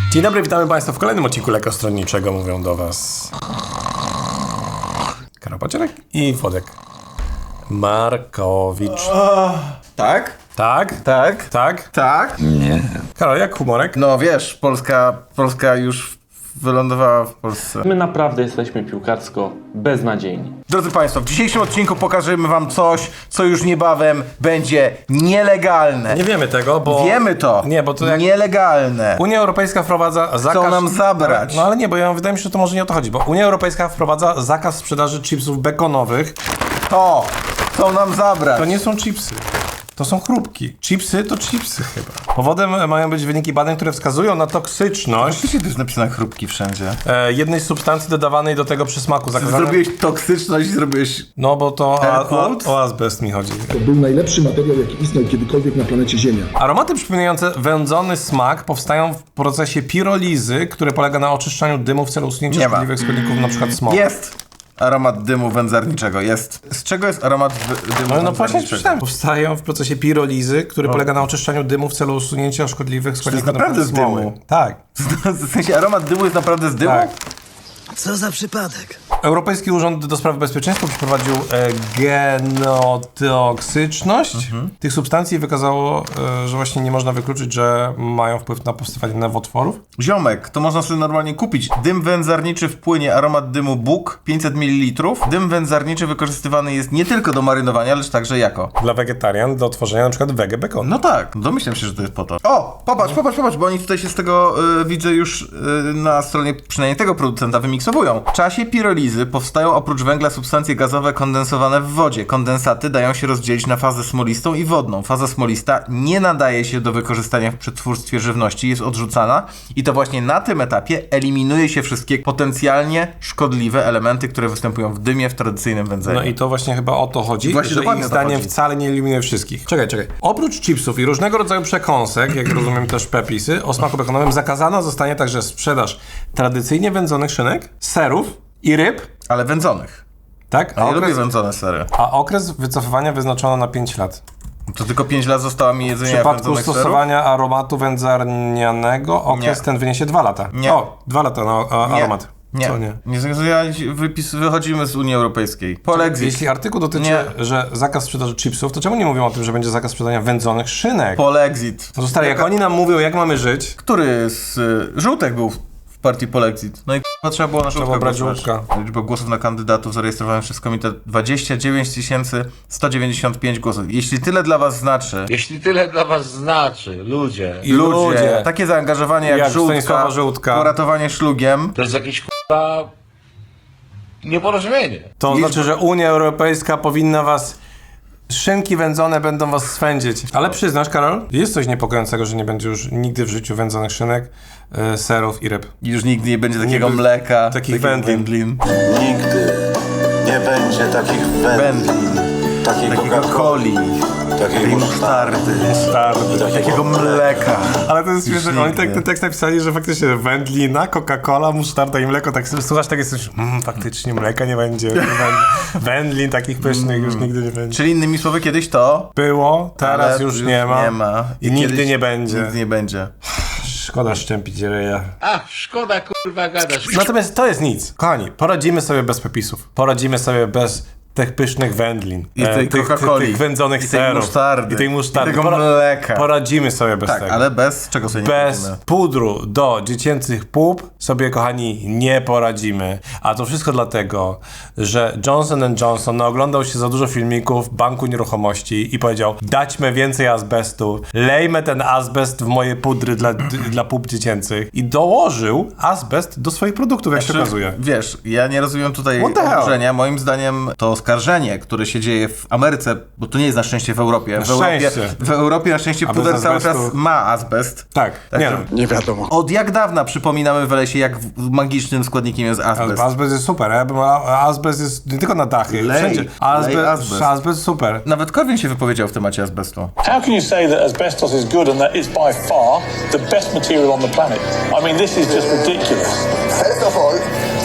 Dzień dobry, witamy Państwa w kolejnym odcinku Lekostronniczego. Mówią do Was Karol Pacierek i Włodek Markowicz. Tak? Tak? Tak? Tak? Tak? Nie. Karol, jak humorek? No wiesz, Polska już wylądowała w Polsce. My naprawdę jesteśmy piłkarsko beznadziejni. Drodzy Państwo, w dzisiejszym odcinku pokażemy Wam coś, co już niebawem będzie nielegalne. Nie wiemy tego, bo... Wiemy to. Nie, bo to jak... Nielegalne. Unia Europejska wprowadza zakaz... Chcą nam zabrać. No ale nie, bo wydaje mi się, że to może nie o to chodzi, bo Unia Europejska wprowadza zakaz sprzedaży chipsów bekonowych. To chcą nam zabrać. To nie są chipsy. To są chrupki. Chipsy to chipsy chyba. Powodem mają być wyniki badań, które wskazują na toksyczność Oczywiście to jest napisane chrupki wszędzie. jednej z substancji dodawanej do tego przysmaku. Zrobiłeś toksyczność, zrobiłeś... No bo to quote? o azbest mi chodzi. To był najlepszy materiał, jaki istniał kiedykolwiek na planecie Ziemia. Aromaty przypominające wędzony smak powstają w procesie pirolizy, który polega na oczyszczaniu dymu w celu usunięcia Nie ma. szkodliwych składników, np. smogu. Jest aromat dymu wędzarniczego, jest. Z czego jest aromat dymu No właśnie wędzarniczego? przeczytałem. Powstają w procesie pirolizy, który polega na oczyszczaniu dymu w celu usunięcia szkodliwych składników, naprawdę np. z dymu? smogu. Tak. W sensie aromat dymu jest naprawdę z dymu? Tak. Co za przypadek? Europejski Urząd do Spraw Bezpieczeństwa przeprowadził genotoksyczność tych substancji i wykazało, że właśnie nie można wykluczyć, że mają wpływ na powstawanie nowotworów. Ziomek, to można sobie normalnie kupić. Dym wędzarniczy w płynie, aromat dymu Bóg, 500 ml. Dym wędzarniczy wykorzystywany jest nie tylko do marynowania, lecz także jako. Dla wegetarian do tworzenia na przykład wege bacon. No tak, domyślam się, że to jest po to. O, popatrz, bo oni tutaj się z tego, widzę już na stronie przynajmniej tego producenta wymiksowują. W czasie pirolizy powstają oprócz węgla substancje gazowe kondensowane w wodzie. Kondensaty dają się rozdzielić na fazę smolistą i wodną. Faza smolista nie nadaje się do wykorzystania w przetwórstwie żywności, jest odrzucana i to właśnie na tym etapie eliminuje się wszystkie potencjalnie szkodliwe elementy, które występują w dymie w tradycyjnym wędzeniu. No i to właśnie chyba o to chodzi, Właśnie że dokładnie ich o to zdaniem chodzi. wcale nie eliminuje wszystkich. Czekaj. Oprócz chipsów i różnego rodzaju przekąsek, jak rozumiem też pepisy, o smaku bekonowym zakazana zostanie także sprzedaż tradycyjnie wędzonych szynek, serów i ryb, Ale wędzonych. tak? Ja lubię wędzone sery. A okres wycofywania wyznaczono na 5 lat. To tylko 5 lat zostało mi W jedzenia przypadku wędzonych serów? stosowania aromatu wędzarnianego okres Nie. ten wyniesie 2 lata. Nie. O, 2 lata na aromat. Nie. Co nie? Wychodzimy z Unii Europejskiej. Polexit. Jeśli artykuł dotyczy, Nie. że zakaz sprzedaży chipsów, to czemu nie mówią o tym, że będzie zakaz sprzedania wędzonych szynek? Polexit. No to stary, jak oni nam mówią, jak mamy żyć, Który z żółtek był w partii Polexit? No i trzeba było na żółtka było brać głosować. żółtka. Liczba głosów na kandydatów zarejestrowałem przez komitet 29 195 głosów. Jeśli tyle dla was znaczy, Jeśli tyle dla was znaczy, ludzie, i ludzie, takie zaangażowanie jak Stanisława Żółtka, poratowanie szlugiem, to jest jakieś k***a nieporozumienie. to znaczy, że Unia Europejska powinna was... Szynki wędzone będą was swędzić. Ale przyznasz, Karol, jest coś niepokojącego, że nie będzie już nigdy w życiu wędzonych szynek, serów i ryb. już nigdy nie będzie takiego Nigdy mleka, takich wędlin. Nigdy nie będzie takich wędlin, takiej takiego Coca-Coli, coli, takiej takiej musztardy, musztardy, takiego mleka. Ale to jest śmieszne, oni nigdy. ten tekst napisali, że faktycznie wędlina, Coca-Cola, musztarda i mleko, tak słuchasz, tak jesteś, faktycznie mleka nie będzie, wędlin takich pysznych już nigdy nie będzie. Czyli innymi słowy, kiedyś to Było, teraz ale już nie ma. I nigdy kiedyś nie będzie. Nigdy nie będzie. Szkoda szczępić ryja. Ach, szkoda kurwa gadasz. Natomiast to jest nic. Kochani, poradzimy sobie bez pepisów. Poradzimy sobie bez tych pysznych wędlin. I tej Coca-Coli. Tych wędzonych I tej serów. musztardy. I tej musztardy. I tego mleka. Poradzimy sobie bez Tak, tego. ale bez czego sobie nie Bez poradzimy? pudru do dziecięcych pup sobie, kochani, nie poradzimy. A to wszystko dlatego, że Johnson & Johnson oglądał się za dużo filmików Banku Nieruchomości i powiedział: daćmy więcej azbestu, lejmy ten azbest w moje pudry dla pup dziecięcych. I dołożył azbest do swoich produktów, jak się okazuje. Wiesz, ja nie rozumiem tutaj What the hell? oburzenia. Moim zdaniem to oskarżenie, które się dzieje w Ameryce, bo to nie jest na szczęście w Europie. W Europie na szczęście A bez puder cały czas azbestu? ma azbest. Tak, nie no. Nie wiadomo. Od jak dawna przypominamy w lesie, jak magicznym składnikiem jest azbest. Azbest jest super, azbest jest nie tylko na dachy, Lej, wszędzie. lej azbest. Azbest super. Nawet Korwin się wypowiedział w temacie azbestu. How can you say that asbestos is good and that it's by far the best material on the planet? I mean, this is just ridiculous. First of all,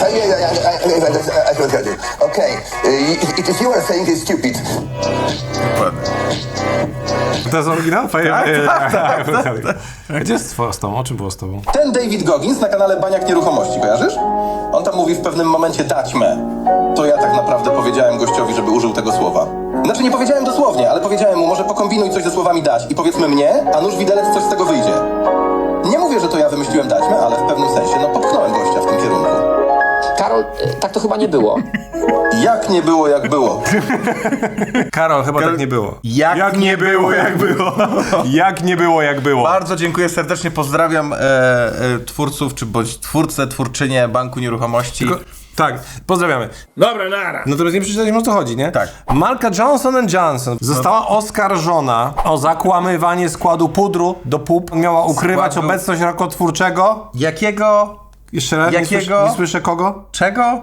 I will tell you. Okay, if you are saying it's stupid. Dokładnie. To jest oryginał? Tak. Gdzie jest z tobą? O czym było z tobą? Ten David Goggins na kanale Baniak Nieruchomości, kojarzysz? On tam mówi w pewnym momencie dać me. To ja tak naprawdę powiedziałem gościowi, żeby użył tego słowa. Znaczy nie powiedziałem dosłownie, ale powiedziałem mu, może pokombinuj coś ze słowami dać i powiedzmy mnie, a nóż widelec coś z tego wyjdzie. Nie mówię, że to ja wymyśliłem dać me, ale w pewnym sensie, no popchnąłem gościa w tym kierunku. Karol, tak to chyba nie było. Jak nie było, jak było. Karol, chyba tak nie było. Jak nie było, jak było. Jak nie było, jak było. Bardzo dziękuję serdecznie, pozdrawiam twórców, czy bądź twórcę, twórczynię Banku Nieruchomości. Tak, pozdrawiamy. Dobra, nara. Natomiast nie przeczytaliśmy, o co chodzi, nie? Tak. Marka Johnson & Johnson została oskarżona o zakłamywanie składu pudru do pup. Miała ukrywać Składu- obecność rakotwórczego. Jakiego? Jeszcze raz, Jakiego? Nie słyszę kogo? Czego?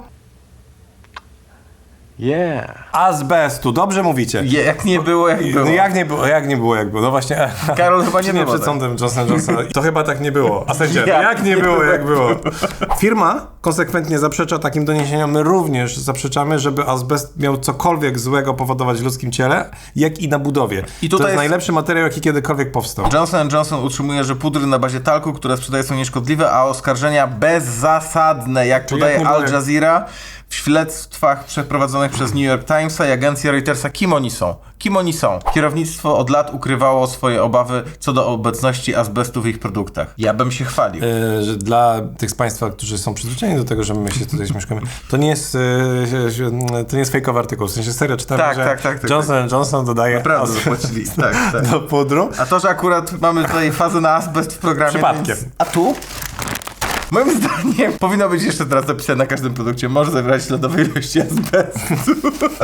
Azbestu, dobrze mówicie. Jak nie było, jak było. No jak nie było, jak nie było, jak było. No właśnie. Karol, chyba nie Czy było przed tak. sądem Johnson. To chyba tak nie było. A sędzia, Jak jak nie było, jak było. Firma konsekwentnie zaprzecza takim doniesieniom. My również zaprzeczamy, żeby azbest miał cokolwiek złego powodować w ludzkim ciele, jak i na budowie. I To tutaj jest jest- najlepszy materiał, jaki kiedykolwiek powstał. Johnson & Johnson utrzymuje, że pudry na bazie talku, które sprzedaje, są nieszkodliwe, a oskarżenia bezzasadne, jak Czyli podaje jak nie było, Al Jazeera. W śledztwach przeprowadzonych przez New York Timesa i agencja Reutersa, kim oni są? Kim oni są? Kierownictwo od lat ukrywało swoje obawy co do obecności azbestu w ich produktach. Ja bym się chwalił. Że dla tych z Państwa, którzy są przyzwyczajeni do tego, że my się tutaj śmieszkamy, to nie jest fejkowy artykuł. W sensie serio czytamy, Tak, że tak. Johnson & Johnson dodaje Naprawdę azbest zapłacili. Tak. do pudru. A to, że akurat mamy tutaj fazę na azbest w programie. Przypadkiem. Więc... A tu? Moim zdaniem powinno być jeszcze teraz napisane na każdym produkcie, może zawierać śladowe ilości azbestu.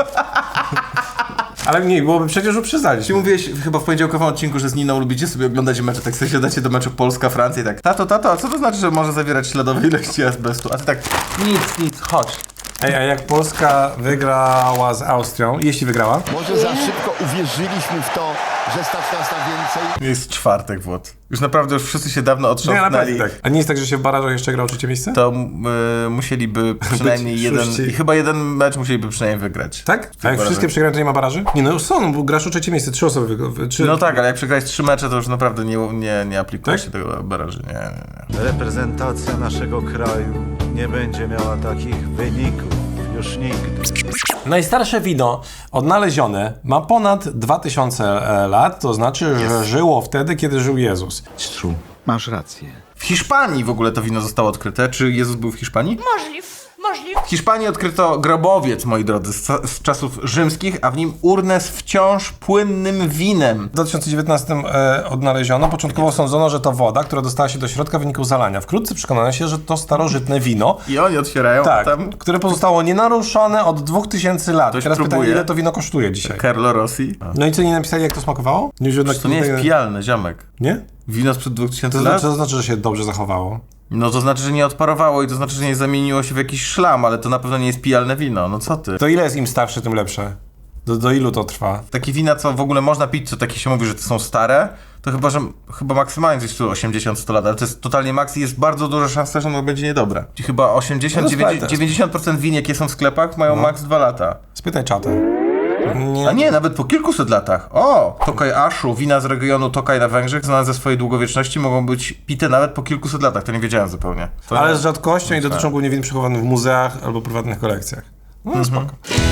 Ale nie, byłoby przecież uprzedzaliśmy. Ty mówiłeś chyba w poniedziałkowym odcinku, że z Niną lubicie sobie oglądać mecze, tak sobie siadacie do meczu Polska-Francja i tak tato, a co to znaczy, że może zawierać śladowe ilości azbestu? A ty tak, nic, chodź. Ej, a jak Polska wygrała z Austrią, jeśli wygrała, Może za szybko uwierzyliśmy w to, że stać nas na więcej. Jest czwartek, Włod. Już naprawdę już wszyscy się dawno otrząsnęli. tak. A nie jest tak, że się w barażach jeszcze grał trzecie miejsce? To musieliby przynajmniej jeden, szóści. i chyba jeden mecz musieliby przynajmniej wygrać. Tak? A jak barażach. wszystkie przegrają, to nie ma baraży? Nie, no są, bo grasz o trzecie miejsce, 3 osoby No tak, ale jak przegrałeś 3 mecze, to już naprawdę nie aplikuje Tak? się tego baraży. Nie. Reprezentacja naszego kraju nie będzie miała takich wyników już nigdy. Najstarsze wino odnalezione ma ponad 2000 lat, to znaczy, że żyło wtedy, kiedy żył Jezus. Masz rację. W Hiszpanii w ogóle to wino zostało odkryte. Czy Jezus był w Hiszpanii? Możliw. W Hiszpanii odkryto grobowiec, moi drodzy, z czasów rzymskich, a w nim urnę z wciąż płynnym winem. W 2019 odnaleziono. Początkowo sądzono, że to woda, która dostała się do środka w wyniku zalania. Wkrótce przekonano się, że to starożytne wino, I oni otwierają, tak, a tam które pozostało nienaruszone od 2000 lat. Ktoś Teraz pytanie, próbuje. ile to wino kosztuje dzisiaj? Carlo Rossi. No i co, nie napisali, jak to smakowało? To nie jest pijalne, ziomek. Nie? Wino sprzed 2000 To lat? znaczy, że się dobrze zachowało. No to znaczy, że nie odparowało i to znaczy, że nie zamieniło się w jakiś szlam, ale to na pewno nie jest pijalne wino. No co ty? To ile jest im starsze, tym lepsze? Do ilu to trwa? Takie wina, co w ogóle można pić, co takie się mówi, że to są stare, to chyba maksymalnie coś tu 80-100 lat, ale to jest totalnie maks i jest bardzo duża szansa, że ono będzie niedobre. I chyba No 90% win, jakie są w sklepach, mają maks 2 lata. Spytaj czatę. A nie, nawet po kilkuset latach. O! Tokaj Ashu, wina z regionu Tokaj na Węgrzech, znane ze swojej długowieczności, mogą być pite nawet po kilkuset latach. To nie wiedziałem zupełnie. To Ale nie- z rzadkością i dotyczą głównie win przechowanych w muzeach albo prywatnych kolekcjach. No spoko.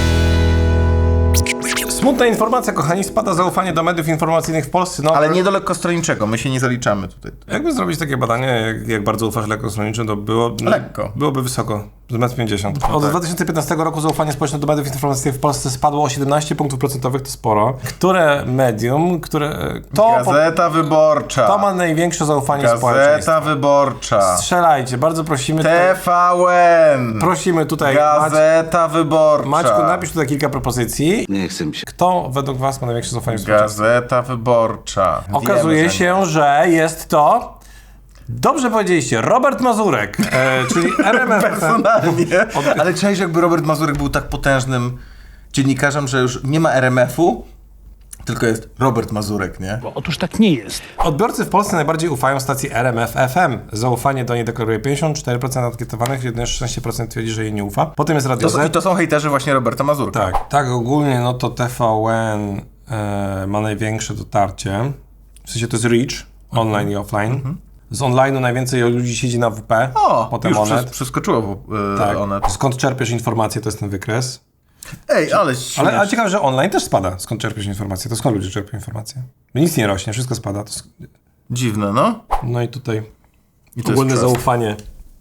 Smutna informacja, kochani, spada zaufanie do mediów informacyjnych w Polsce. No, Ale nie do lekkostronniczego, my się nie zaliczamy tutaj. jakby zrobić takie badanie, jak bardzo ufasz lekkostronniczym, to Lekko. byłoby wysoko, z 1,50 m. Od 2015 roku zaufanie społeczne do mediów informacyjnych w Polsce spadło o 17 punktów procentowych, to sporo. Które medium, Gazeta Wyborcza. to ma największe zaufanie Gazeta społeczeństwa? Wyborcza. Strzelajcie, bardzo prosimy. Tutaj, TVN. prosimy tutaj, Gazeta Wyborcza. Maćku, napisz tutaj kilka propozycji. Nie chcę mi się. Kto według was ma największe zaufanie w społeczeństwie? Gazeta Wyborcza. Okazuje Wiemy, że się, że jest to... Dobrze powiedzieliście, Robert Mazurek, czyli RMF. personalnie. Ale czaisz, jakby Robert Mazurek był tak potężnym dziennikarzem, że już nie ma RMF-u, tylko jest Robert Mazurek, nie? Otóż tak nie jest. Odbiorcy w Polsce najbardziej ufają stacji RMF FM. Zaufanie do niej deklaruje 54% ankietowanych, jedynie 16% twierdzi, że jej nie ufa. Potem jest Radio I Z. to są hejterzy właśnie Roberta Mazurka. Tak ogólnie no to TVN ma największe dotarcie. W sensie to jest reach, online i offline. Z online'u najwięcej ludzi siedzi na WP, potem już Onet. przeskoczyło Tak. Onet. Skąd czerpiesz informacje, to jest ten wykres. Ej, ale Ale ciekawe, że online też spada. Skąd czerpiesz informacje? To skąd ludzie czerpią informacje? Bo nic nie rośnie, wszystko spada. Dziwne, no. No i tutaj I to ogólne jest trust. zaufanie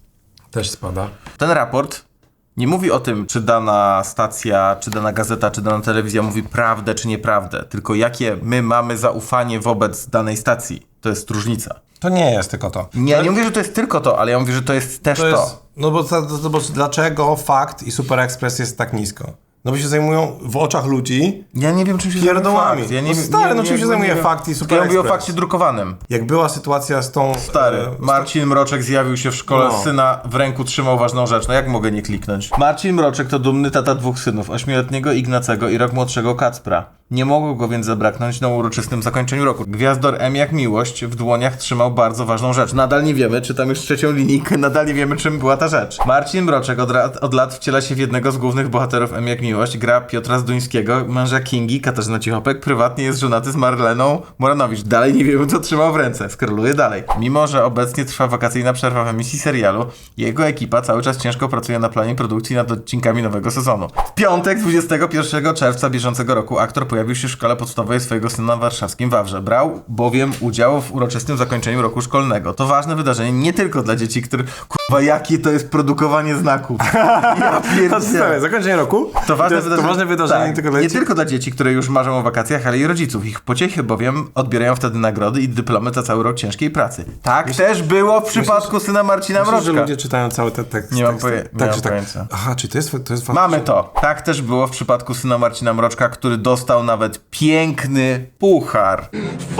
też spada. Ten raport nie mówi o tym, czy dana stacja, czy dana gazeta, czy dana telewizja mówi prawdę, czy nieprawdę, tylko jakie my mamy zaufanie wobec danej stacji. To jest różnica. To nie jest tylko to. Nie mówię, że to jest tylko to, ale ja mówię, że to jest też to. Jest, no bo dlaczego Fakt i Super Express jest tak nisko? No bo się zajmują w oczach ludzi Ja nie wiem, czym się pierdołami. zajmuje Fakt. Ja nie, No stary, no czym się zajmuje wiem. Fakt i Super Ja mówię o Express? fakcie drukowanym. Jak była sytuacja z tą... Stary, Marcin Mroczek zjawił się w szkole, No. syna w ręku trzymał ważną rzecz. No jak mogę nie kliknąć? Marcin Mroczek to dumny tata 2 synów, 8-letniego Ignacego i rok młodszego Kacpra. Nie mogło go więc zabraknąć na uroczystym zakończeniu roku. Gwiazdor M jak miłość w dłoniach trzymał bardzo ważną rzecz. Nadal nie wiemy, czy tam już trzecią linijkę, nadal nie wiemy, czym była ta rzecz. Marcin Mroczek od lat wciela się w jednego z głównych bohaterów M jak miłość, gra Piotra Zduńskiego, męża Kingi, Katarzyna Cichopek, prywatnie jest żonaty z Marleną Moranowicz. Dalej nie wiemy, co trzymał w ręce. Skroluje dalej. Mimo, że obecnie trwa wakacyjna przerwa w emisji serialu, jego ekipa cały czas ciężko pracuje na planie produkcji nad odcinkami nowego sezonu. W piątek, 21 czerwca bieżącego roku, aktor pojawił się w szkole podstawowej swojego syna w warszawskim Wawrze. Brał bowiem udział w uroczystym zakończeniu roku szkolnego. To ważne wydarzenie nie tylko dla dzieci, które... Kurwa, jakie to jest produkowanie znaków. Ja pierdzielę. Zakończenie roku? To ważne wydarzenie tak, nie tylko dla nie dzieci? tylko dla dzieci, które już marzą o wakacjach, ale i rodziców. Ich pociechy bowiem odbierają wtedy nagrody i dyplomy za cały rok ciężkiej pracy. Tak też było w przypadku syna Marcina Myślisz, że Mroczka. ludzie czytają cały ten tekst? Nie mam Także tak. pojęcia. Aha, czyli to jest faktycznie... Mamy to. Tak też było w przypadku syna Marcina Mroczka, który dostał nawet piękny puchar.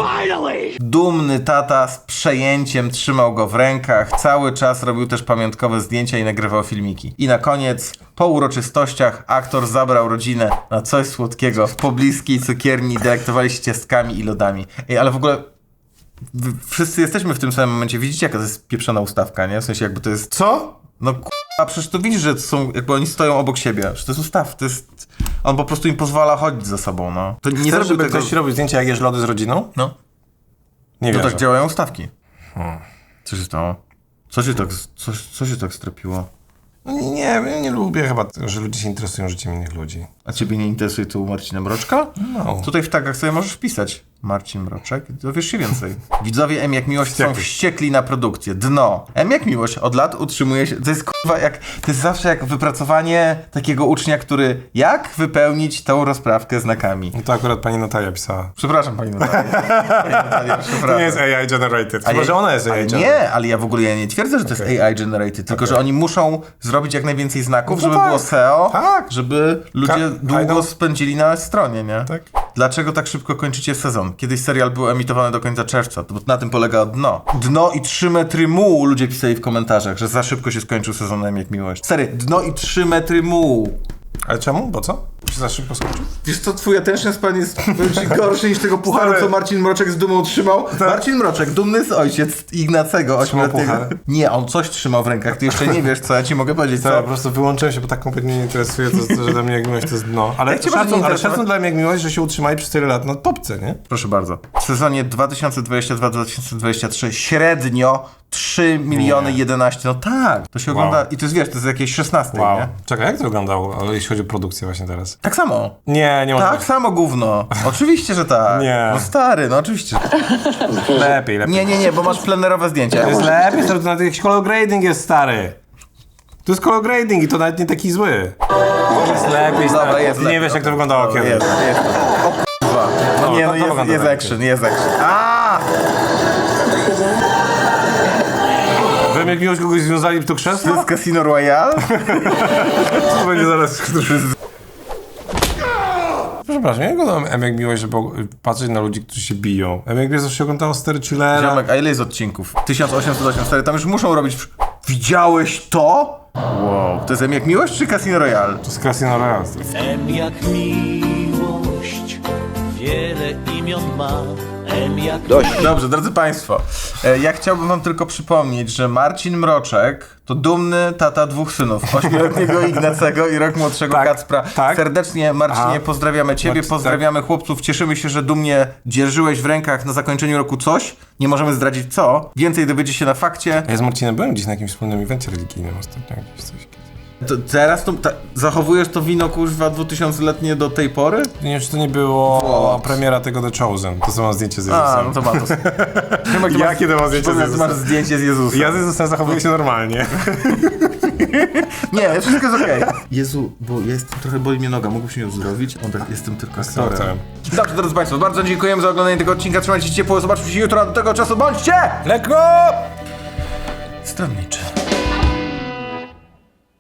Dumny tata z przejęciem trzymał go w rękach. Cały czas robił też pamiątkowe zdjęcia i nagrywał filmiki. I na koniec, po uroczystościach, aktor zabrał rodzinę na coś słodkiego w pobliskiej cukierni i delektowali się ciastkami i lodami. Ej, ale w ogóle wszyscy jesteśmy w tym samym momencie. Widzicie, jaka to jest pieprzona ustawka, nie? W sensie jakby to jest... Co? No a przecież to widzisz, że to są, jakby oni stoją obok siebie. Że to jest ustaw, to jest... On po prostu im pozwala chodzić za sobą, no. To nie Chcesz, zrobił żeby tego... ktoś robił zdjęcia, jak jesz lody z rodziną? No. Nie No wiem. tak działają ustawki. Co się stało? Co się tak strapiło? Nie lubię chyba, że ludzie się interesują życiem innych ludzi. A ciebie nie interesuje tu Marcina Mroczka? No. Tutaj w tagach sobie możesz wpisać Marcin Mroczek, dowiesz się więcej. Widzowie M jak miłość są wściekli na produkcję. Dno. M jak miłość od lat utrzymuje się... To jest kurwa jak... To jest zawsze jak wypracowanie takiego ucznia, który... Jak wypełnić tą rozprawkę znakami? No to akurat pani Natalia pisała. Przepraszam, pani Natalia. Pani Natalia, przepraszam. To nie jest AI generated. Chyba, że ona jest AI ale generated. nie, ale ja w ogóle nie twierdzę, że to jest AI generated, tylko że oni muszą zrobić jak najwięcej znaków, No żeby tak. było SEO, Tak. żeby ludzie długo know. spędzili na stronie, nie? Tak. Dlaczego tak szybko kończycie sezon? Kiedyś serial był emitowany do końca czerwca, to na tym polega Dno. Dno i 3 metry mułu ludzie pisali w komentarzach, że za szybko się skończył sezonem jak miłość. Sery, Dno i 3 metry mułu. Ale czemu? Bo co? Się za szybko skończył? Wiesz co, twój attention span jest gorszy niż tego pucharu, Stary. co Marcin Mroczek z dumą trzymał. Marcin Mroczek, dumny z ojciec Ignacego, 8-letniego. puchar? Nie, on coś trzymał w rękach, ty jeszcze nie wiesz, co ja ci mogę powiedzieć, Ja co? po prostu wyłączyłem się, bo tak kompletnie nie interesuje, to, że dla mnie jak miłość to jest dno. Ale Jak cię może nie szacun interesować? dla mnie jak miłość, że się utrzymali przez tyle lat na topce, nie? Proszę bardzo. W sezonie 2022-2023 średnio 3 miliony 11, no tak, to się Wow. ogląda i to jest, wiesz, to jest jakieś 16, Wow. nie? Czekaj, jak to wyglądało, jeśli chodzi o produkcję właśnie teraz? Tak samo. Nie może Tak samo gówno. Oczywiście, że tak. Nie. No stary, no oczywiście. Lepiej. Nie, bo masz plenerowe zdjęcia. To jest lepiej, stary, to nawet jakiś color grading jest stary. To jest color grading i to nawet nie taki zły. To jest lepiej, stary. Dobra, jest Ty nie lepiej. wiesz, jak to wyglądało kiedyś. Jest. O kurwa. No nie, no to wygląda jest lepiej. action, jest action. A! Wiem, jak miłość kogoś związali w to To krzesło? jest Casino Royale? To będzie zaraz... Przepraszam, ja oglądam M jak miłość, żeby patrzeć na ludzi, którzy się biją. M jak miłość zawsze oglądało Stary Chillera. Ziomek, a ile jest odcinków? 1884, tam już muszą robić... Widziałeś to? Wow. To jest M jak miłość czy Casino Royale? To jest Casino Royale. M jak miłość, wiele imion ma. Dobrze, drodzy Państwo, ja chciałbym Wam tylko przypomnieć, że Marcin Mroczek to dumny tata 2 synów, 8-letniego Ignacego i rok młodszego Kacpra. Serdecznie, Marcinie, pozdrawiamy Ciebie, pozdrawiamy chłopców, cieszymy się, że dumnie dzierżyłeś w rękach na zakończeniu roku coś, nie możemy zdradzić co, więcej dowiecie się na fakcie. Ja z Marcinem byłem gdzieś na jakimś wspólnym evencie religijnym ostatnio, jakieś coś. To teraz zachowujesz to wino, kurwa, 2000-letnie do tej pory? Nie wiem, czy to nie było premiera tego The Chosen. To są zdjęcie z Jezusem. A, no to ma to. Jakie to ma zdjęcie z Jezusem? Masz zdjęcie z Jezusem. Ja z Jezusem zachowuję się normalnie. Nie, wszystko jest okej. Jezu, bo ja jestem, trochę boli mnie noga, mógłbyś mi uzdrowić? Jestem tylko aktorem. Dobrze, drodzy Państwo, bardzo dziękujemy za oglądanie tego odcinka, trzymajcie się ciepło, zobaczmy się jutro, do tego czasu bądźcie! Lekko! Stronniczy.